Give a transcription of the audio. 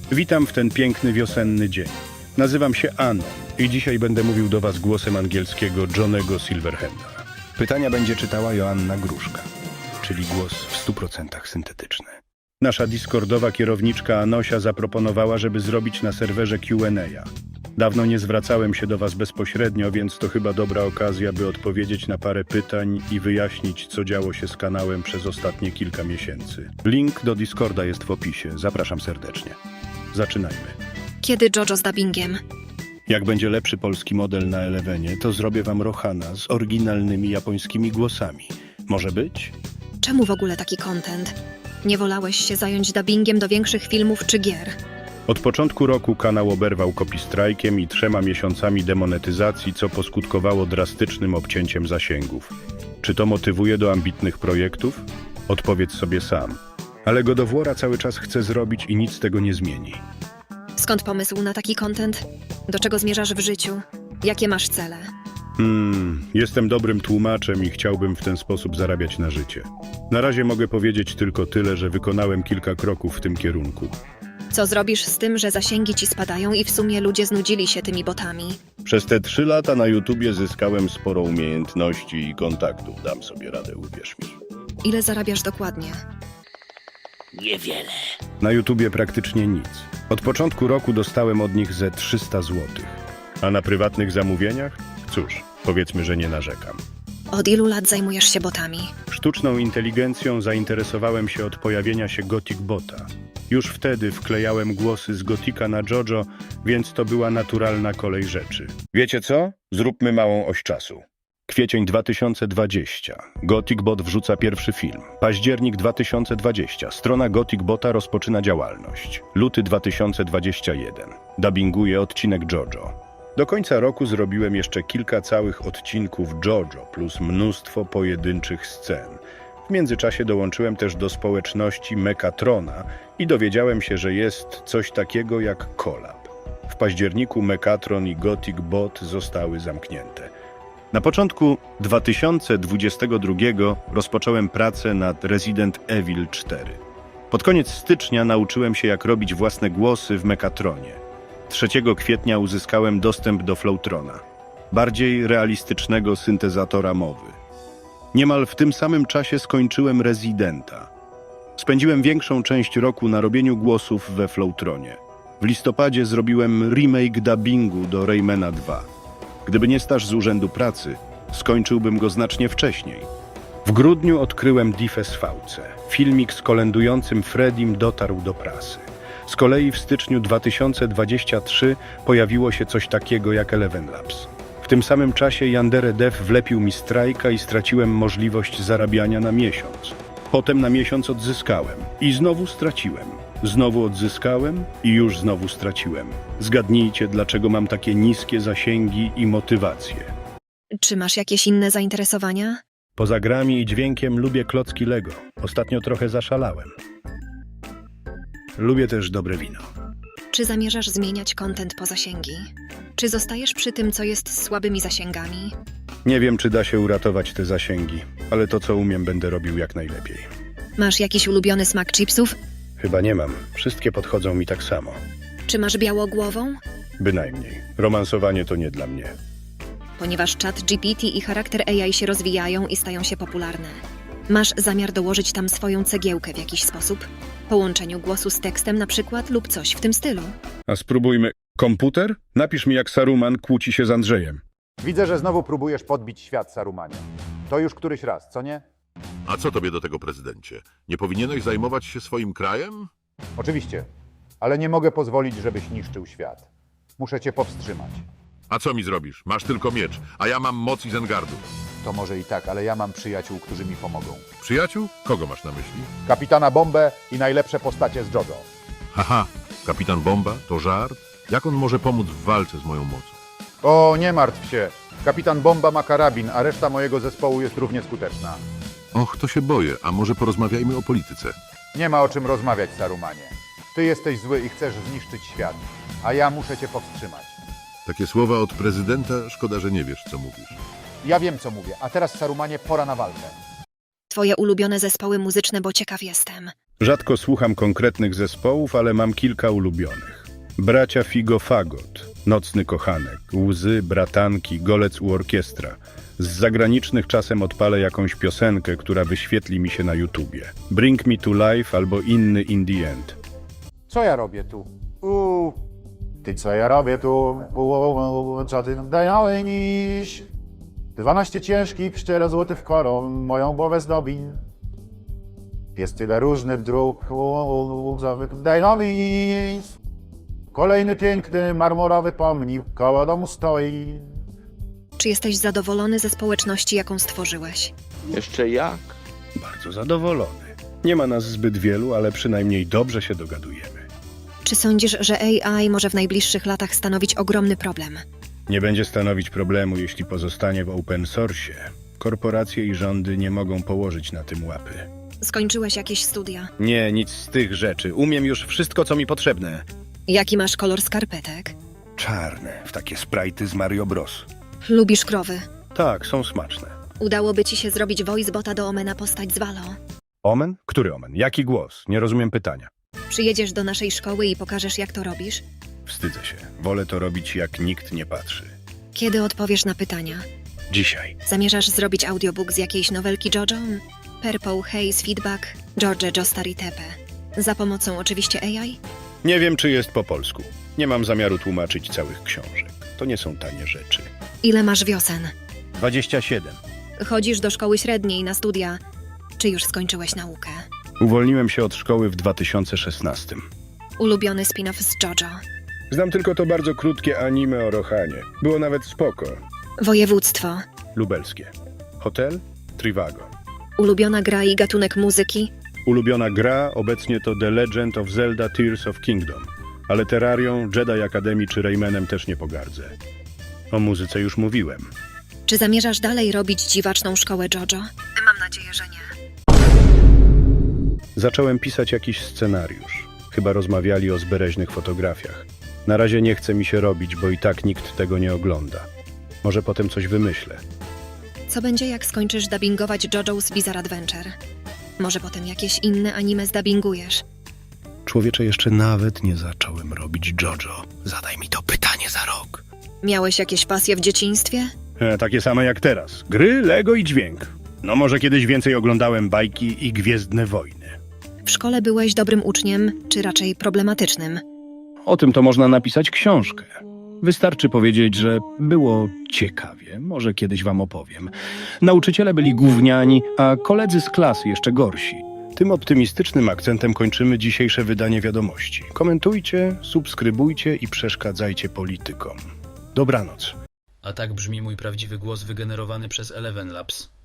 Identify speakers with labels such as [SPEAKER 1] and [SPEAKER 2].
[SPEAKER 1] Witam w ten piękny wiosenny dzień. Nazywam się Anon i dzisiaj będę mówił do Was głosem angielskiego Johnego Silverhanda. Pytania będzie czytała Joanna Gruszka, czyli głos w 100% syntetyczny. Nasza Discordowa kierowniczka Anosia zaproponowała, żeby zrobić na serwerze Q&A. Dawno nie zwracałem się do Was bezpośrednio, więc to chyba dobra okazja, by odpowiedzieć na parę pytań i wyjaśnić, co działo się z kanałem przez ostatnie kilka miesięcy. Link do Discorda jest w opisie. Zapraszam serdecznie. Zaczynajmy.
[SPEAKER 2] Kiedy JoJo z dubbingiem?
[SPEAKER 1] Jak będzie lepszy polski model na Elevenie, to zrobię Wam Rohana z oryginalnymi japońskimi głosami. Może być?
[SPEAKER 2] Czemu w ogóle taki content? Nie wolałeś się zająć dubbingiem do większych filmów czy gier?
[SPEAKER 1] Od początku roku kanał oberwał copystrajkiem i 3 miesiącami demonetyzacji, co poskutkowało drastycznym obcięciem zasięgów. Czy to motywuje do ambitnych projektów? Odpowiedz sobie sam. Ale God of War'a cały czas chce zrobić i nic tego nie zmieni.
[SPEAKER 2] Skąd pomysł na taki content? Do czego zmierzasz w życiu? Jakie masz cele?
[SPEAKER 1] Jestem dobrym tłumaczem i chciałbym w ten sposób zarabiać na życie. Na razie mogę powiedzieć tylko tyle, że wykonałem kilka kroków w tym kierunku.
[SPEAKER 2] Co zrobisz z tym, że zasięgi ci spadają i w sumie ludzie znudzili się tymi botami?
[SPEAKER 1] Przez te 3 lata na YouTubie zyskałem sporo umiejętności i kontaktów. Dam sobie radę, uwierz mi.
[SPEAKER 2] Ile zarabiasz dokładnie?
[SPEAKER 3] Niewiele.
[SPEAKER 1] Na YouTubie praktycznie nic. Od początku roku dostałem od nich ze 300 zł. A na prywatnych zamówieniach? Cóż, powiedzmy, że nie narzekam.
[SPEAKER 2] Od ilu lat zajmujesz się botami?
[SPEAKER 1] Sztuczną inteligencją zainteresowałem się od pojawienia się Gothic Bota. Już wtedy wklejałem głosy z Gotika na JoJo, więc to była naturalna kolej rzeczy. Wiecie co? Zróbmy małą oś czasu. Kwiecień 2020. Gothic Bot wrzuca pierwszy film. Październik 2020. Strona Gothic Bota rozpoczyna działalność. Luty 2021. Dubbinguje odcinek JoJo. Do końca roku zrobiłem jeszcze kilka całych odcinków JoJo plus mnóstwo pojedynczych scen. W międzyczasie dołączyłem też do społeczności Mechatrona i dowiedziałem się, że jest coś takiego jak collab. W październiku Mechatron i Gothic Bot zostały zamknięte. Na początku 2022 rozpocząłem pracę nad Resident Evil 4. Pod koniec stycznia nauczyłem się, jak robić własne głosy w Mechatronie. 3 kwietnia uzyskałem dostęp do Flowtrona, bardziej realistycznego syntezatora mowy. Niemal w tym samym czasie skończyłem Residenta. Spędziłem większą część roku na robieniu głosów we Flowtronie. W listopadzie zrobiłem remake dubbingu do Raymana 2. Gdyby nie staż z urzędu pracy, skończyłbym go znacznie wcześniej. W grudniu odkryłem DFSVC. Filmik z kolendującym Freddym dotarł do prasy. Z kolei w styczniu 2023 pojawiło się coś takiego jak Eleven Labs. W tym samym czasie Yandere Dev wlepił mi strajka i straciłem możliwość zarabiania na miesiąc. Potem na miesiąc odzyskałem i znowu straciłem. Znowu odzyskałem i już znowu straciłem. Zgadnijcie, dlaczego mam takie niskie zasięgi i motywacje.
[SPEAKER 2] Czy masz jakieś inne zainteresowania?
[SPEAKER 1] Poza grami i dźwiękiem lubię klocki Lego. Ostatnio trochę zaszalałem. Lubię też dobre wino.
[SPEAKER 2] Czy zamierzasz zmieniać content po zasięgi? Czy zostajesz przy tym, co jest z słabymi zasięgami?
[SPEAKER 1] Nie wiem, czy da się uratować te zasięgi, ale to, co umiem, będę robił jak najlepiej.
[SPEAKER 2] Masz jakiś ulubiony smak chipsów?
[SPEAKER 1] Chyba nie mam. Wszystkie podchodzą mi tak samo.
[SPEAKER 2] Czy masz białogłową?
[SPEAKER 1] Bynajmniej. Romansowanie to nie dla mnie.
[SPEAKER 2] Ponieważ czat GPT i charakter AI się rozwijają i stają się popularne. Masz zamiar dołożyć tam swoją cegiełkę w jakiś sposób? Połączeniu głosu z tekstem na przykład lub coś w tym stylu.
[SPEAKER 1] A spróbujmy. Komputer? Napisz mi, jak Saruman kłóci się z Andrzejem.
[SPEAKER 4] Widzę, że znowu próbujesz podbić świat, Sarumanie. To już któryś raz, co nie?
[SPEAKER 3] A co tobie do tego, prezydencie? Nie powinieneś zajmować się swoim krajem?
[SPEAKER 4] Oczywiście, ale nie mogę pozwolić, żebyś niszczył świat. Muszę cię powstrzymać.
[SPEAKER 3] A co mi zrobisz? Masz tylko miecz, a ja mam moc Izengardu.
[SPEAKER 4] To może i tak, ale ja mam przyjaciół, którzy mi pomogą.
[SPEAKER 3] Przyjaciół? Kogo masz na myśli?
[SPEAKER 4] Kapitana Bombę i najlepsze postacie z JoJo.
[SPEAKER 3] Haha, kapitan Bomba? To żart? Jak on może pomóc w walce z moją mocą?
[SPEAKER 4] O, nie martw się. Kapitan Bomba ma karabin, a reszta mojego zespołu jest równie skuteczna.
[SPEAKER 3] Och, to się boję, a może porozmawiajmy o polityce?
[SPEAKER 4] Nie ma o czym rozmawiać, Sarumanie. Ty jesteś zły i chcesz zniszczyć świat, a ja muszę cię powstrzymać.
[SPEAKER 3] Takie słowa od prezydenta, szkoda, że nie wiesz, co mówisz.
[SPEAKER 4] Ja wiem, co mówię, a teraz, Sarumanie, pora na walkę.
[SPEAKER 2] Twoje ulubione zespoły muzyczne, bo ciekaw jestem.
[SPEAKER 1] Rzadko słucham konkretnych zespołów, ale mam kilka ulubionych. Bracia Figo Fagot, Nocny Kochanek, Łzy, Bratanki, Golec u Orkiestra. Z zagranicznych czasem odpalę jakąś piosenkę, która wyświetli mi się na YouTubie. Bring Me to Life albo inny In the End.
[SPEAKER 4] Co ja robię tu? Ty co ja robię tu? Co ty dajałeś niż? 12 ciężkich, 4 zł w koron, moją głowę zdobi. Jest tyle różnych dróg, daj Kolejny piękny, marmurowy pomnik koło domu stoi.
[SPEAKER 2] Czy jesteś zadowolony ze społeczności, jaką stworzyłeś?
[SPEAKER 5] Jeszcze jak?
[SPEAKER 1] Bardzo zadowolony. Nie ma nas zbyt wielu, ale przynajmniej dobrze się dogadujemy.
[SPEAKER 2] Czy sądzisz, że AI może w najbliższych latach stanowić ogromny problem?
[SPEAKER 1] Nie będzie stanowić problemu, jeśli pozostanie w open source. Korporacje i rządy nie mogą położyć na tym łapy.
[SPEAKER 2] Skończyłeś jakieś studia?
[SPEAKER 1] Nie, nic z tych rzeczy. Umiem już wszystko, co mi potrzebne.
[SPEAKER 2] Jaki masz kolor skarpetek?
[SPEAKER 1] Czarne, w takie sprajty z Mario Bros.
[SPEAKER 2] Lubisz krowy?
[SPEAKER 1] Tak, są smaczne.
[SPEAKER 2] Udałoby ci się zrobić voice bota do Omena postać z Valo.
[SPEAKER 1] Omen? Który omen? Jaki głos? Nie rozumiem pytania.
[SPEAKER 2] Przyjedziesz do naszej szkoły i pokażesz, jak to robisz?
[SPEAKER 1] Wstydzę się. Wolę to robić, jak nikt nie patrzy.
[SPEAKER 2] Kiedy odpowiesz na pytania?
[SPEAKER 1] Dzisiaj.
[SPEAKER 2] Zamierzasz zrobić audiobook z jakiejś nowelki JoJo? Purple Haze Feedback, George Jostari Tepe. Za pomocą oczywiście AI?
[SPEAKER 1] Nie wiem, czy jest po polsku. Nie mam zamiaru tłumaczyć całych książek. To nie są tanie rzeczy.
[SPEAKER 2] Ile masz wiosen?
[SPEAKER 1] 27.
[SPEAKER 2] Chodzisz do szkoły średniej na studia. Czy już skończyłeś naukę?
[SPEAKER 1] Uwolniłem się od szkoły w 2016.
[SPEAKER 2] Ulubiony spin-off z JoJo.
[SPEAKER 1] Znam tylko to bardzo krótkie anime o Rohanie. Było nawet spoko.
[SPEAKER 2] Województwo.
[SPEAKER 1] Lubelskie. Hotel? Trivago.
[SPEAKER 2] Ulubiona gra i gatunek muzyki?
[SPEAKER 1] Ulubiona gra obecnie to The Legend of Zelda Tears of Kingdom. Ale Terrarią, Jedi Academy czy Raymanem też nie pogardzę. O muzyce już mówiłem.
[SPEAKER 2] Czy zamierzasz dalej robić dziwaczną szkołę JoJo? Mam nadzieję, że nie.
[SPEAKER 1] Zacząłem pisać jakiś scenariusz. Chyba rozmawiali o zbereźnych fotografiach. Na razie nie chce mi się robić, bo i tak nikt tego nie ogląda. Może potem coś wymyślę.
[SPEAKER 2] Co będzie, jak skończysz dubbingować JoJo's Bizarre Adventure? Może potem jakieś inne anime zdubbingujesz?
[SPEAKER 1] Człowiecze, jeszcze nawet nie zacząłem robić JoJo. Zadaj mi to pytanie za rok.
[SPEAKER 2] Miałeś jakieś pasje w dzieciństwie?
[SPEAKER 1] Takie same jak teraz. Gry, Lego i dźwięk. No może kiedyś więcej oglądałem bajki i Gwiezdne Wojny.
[SPEAKER 2] W szkole byłeś dobrym uczniem, czy raczej problematycznym?
[SPEAKER 1] O tym to można napisać książkę. Wystarczy powiedzieć, że było ciekawie. Może kiedyś wam opowiem. Nauczyciele byli gówniani, a koledzy z klasy jeszcze gorsi. Tym optymistycznym akcentem kończymy dzisiejsze wydanie wiadomości. Komentujcie, subskrybujcie i przeszkadzajcie politykom. Dobranoc.
[SPEAKER 6] A tak brzmi mój prawdziwy głos wygenerowany przez Eleven Labs.